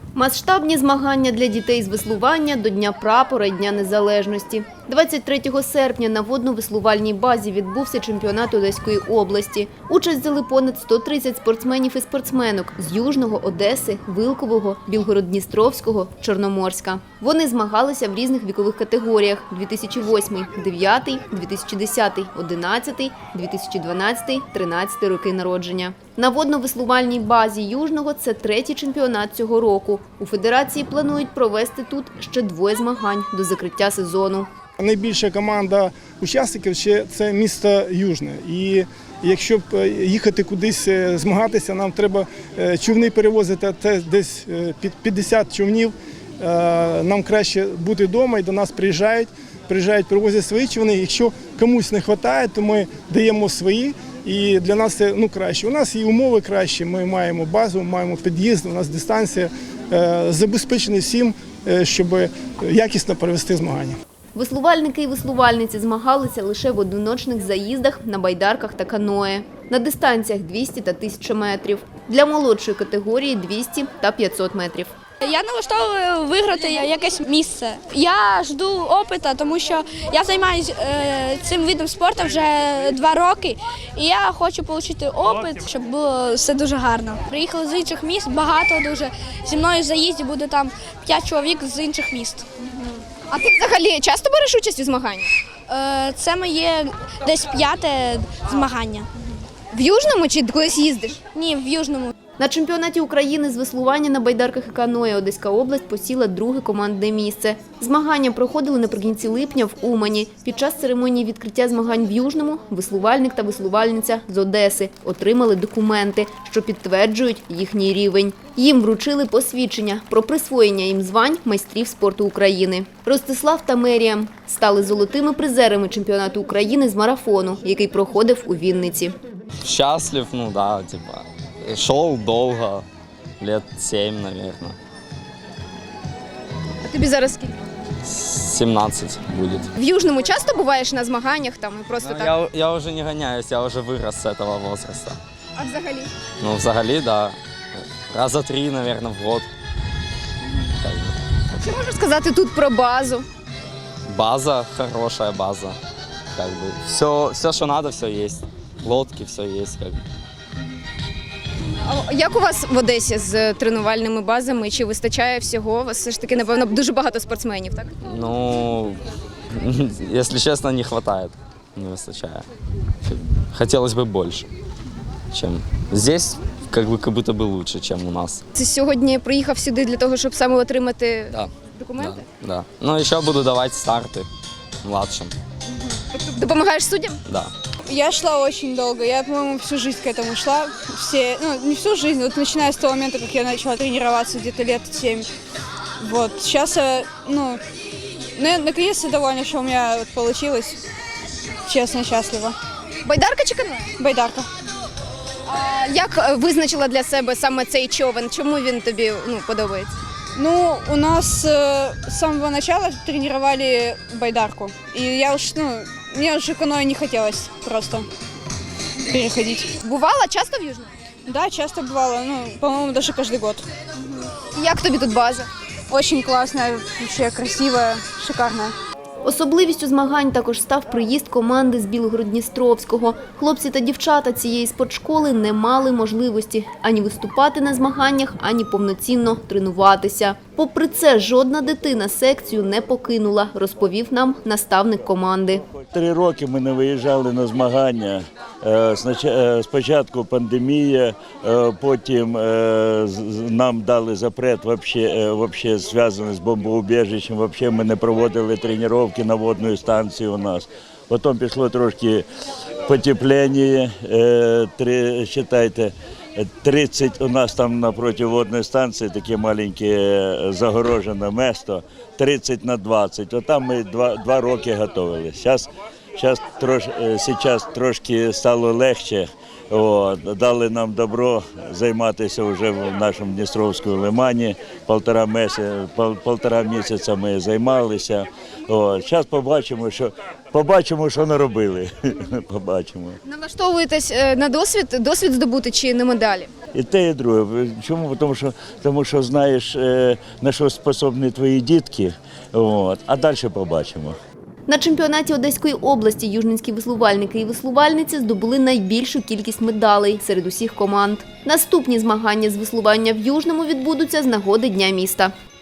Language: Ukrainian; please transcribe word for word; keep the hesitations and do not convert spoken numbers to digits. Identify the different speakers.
Speaker 1: Масштабні змагання для дітей з веслування до Дня прапора і Дня Незалежності. двадцять третього серпня на водно-веслувальній базі відбувся чемпіонат Одеської області. Участь взяли понад сто тридцять спортсменів і спортсменок з Южного, Одеси, Вилкового, Білгород-Дністровського, Чорноморська. Вони змагалися в різних вікових категоріях – дві тисячі восьмий – дев'ятий, дві тисячі десятий – одинадцятий, дві тисячі дванадцятий – тринадцятий роки народження. На водно-веслувальній базі Южного це третій чемпіонат цього року. У федерації планують провести тут ще двоє змагань до закриття сезону.
Speaker 2: Найбільша команда учасників ще це місто Южне. І якщо б їхати кудись змагатися, нам треба човни перевозити, це десь під п'ятдесят човнів. Нам краще бути вдома і до нас приїжджають, приїжджають, привозять свої човни. Якщо комусь не вистачає, то ми даємо свої. І для нас це ну, краще. У нас і умови кращі, ми маємо базу, маємо під'їзд, у нас дистанція забезпечена всім, щоб якісно провести змагання.
Speaker 1: Веслувальники і веслувальниці змагалися лише в одиночних заїздах на байдарках та каное. На дистанціях двісті та тисяча метрів. Для молодшої категорії двісті та п'ятсот метрів.
Speaker 3: Я налаштовую виграти якесь місце. Я жду опиту, тому що я займаюся цим видом спорту вже два роки. І я хочу отримати опит, щоб було все дуже гарно. Приїхали з інших міст, багато дуже. Зі мною в заїзді буде там п'ять чоловік з інших міст.
Speaker 1: А ти взагалі часто береш участь у змаганнях?
Speaker 3: Це моє десь п'яте змагання.
Speaker 1: В Южному чи колись їздиш?
Speaker 3: Ні, в Южному.
Speaker 1: На чемпіонаті України з веслування на байдарках і каное Одеська область посіла друге командне місце. Змагання проходили наприкінці липня в Умані. Під час церемонії відкриття змагань в Южному веслувальник та веслувальниця з Одеси отримали документи, що підтверджують їхній рівень. Їм вручили посвідчення про присвоєння їм звань майстрів спорту України. Ростислав та Меріам стали золотими призерами чемпіонату України з марафону, який проходив у Вінниці.
Speaker 4: Щаслив, ну да, типа. Шел долго, лет семь, наверное.
Speaker 1: А тобі зараз скільки?
Speaker 4: семнадцать будет.
Speaker 1: В Южному часто буваєш на змаганнях там і просто
Speaker 4: Ну,
Speaker 1: так?
Speaker 4: я, я уже не гоняюсь, я уже вырос с этого возраста.
Speaker 1: А взагалі?
Speaker 4: Ну, взагалі, да. Раза три, наверное, в год. Как бы.
Speaker 1: Що можеш сказати тут про базу?
Speaker 4: База, хорошая база. Как бы. Все, все, что надо, все есть. Лодки, все есть. Как бы.
Speaker 1: А як у вас в Одесі з тренувальними базами? Чи вистачає всього? У вас все ж таки, напевно, дуже багато спортсменів, так?
Speaker 4: Ну, если честно, не хватает. Не выстачает. Хотелось бы больше, чем здесь, как бы, как будто бы лучше, чем у нас.
Speaker 1: Ти сьогодні приїхав сюди для того, щоб саме отримати
Speaker 4: Да.
Speaker 1: документи?
Speaker 4: Да, да. Ну, еще буду давать старты младшим.
Speaker 1: Допомагаєш суддям?
Speaker 4: Да.
Speaker 5: Я шла очень долго, я, по-моему, всю жизнь к этому шла, все, ну, не всю жизнь, вот начиная с того момента, как я начала тренироваться где-то лет семь, вот, сейчас, ну, ну наконец-то довольна, что у меня вот получилось, честно, счастлива.
Speaker 1: Байдарка чи каное?
Speaker 5: Байдарка.
Speaker 1: А як визначила для себе саме цей човен? Чому він тобі ну, подобається?
Speaker 5: Ну, у нас э, с самого начала тренировали байдарку, и я уж, ну, мне уже каноэ не хотелось просто переходить.
Speaker 1: Бувала часто в Южному?
Speaker 5: Да, часто бывало, ну, по-моему, даже каждый год.
Speaker 1: Як тобі тут база?
Speaker 5: Очень классная, вообще красивая, шикарная.
Speaker 1: Особливістю змагань також став приїзд команди з Білгород-Дністровського. Хлопці та дівчата цієї спортшколи не мали можливості ані виступати на змаганнях, ані повноцінно тренуватися. Попри це, жодна дитина секцію не покинула, розповів нам наставник команди.
Speaker 6: Три роки ми не виїжджали на змагання. Спочатку пандемія, потім нам дали запрет, взагалі зв'язаний з бомбоубіжищем, взагалі ми не проводили тренування на водної станції у нас. Потім пішло трошки потепління, вважайте, тридцять у нас там напроти водної станції таке маленьке загорожене місто, тридцять на двадцять. Отам ми два, два роки готувалися. Зараз Зараз трош, зараз трошки стало легше. От, дали нам добро займатися вже в нашому Дністровському лимані. Полтора місяця, пол, полтора місяця ми займалися. Зараз побачимо, що побачимо, що наробили. Побачимо.
Speaker 1: Налаштовуєтесь на досвід, досвід здобути чи на медалі?
Speaker 6: І те, і друге. Чому? Тому що, тому що знаєш, на що способні твої дітки, от, а далі побачимо.
Speaker 1: На чемпіонаті Одеської області южненські веслувальники і веслувальниці здобули найбільшу кількість медалей серед усіх команд. Наступні змагання з веслування в Южному відбудуться з нагоди Дня міста.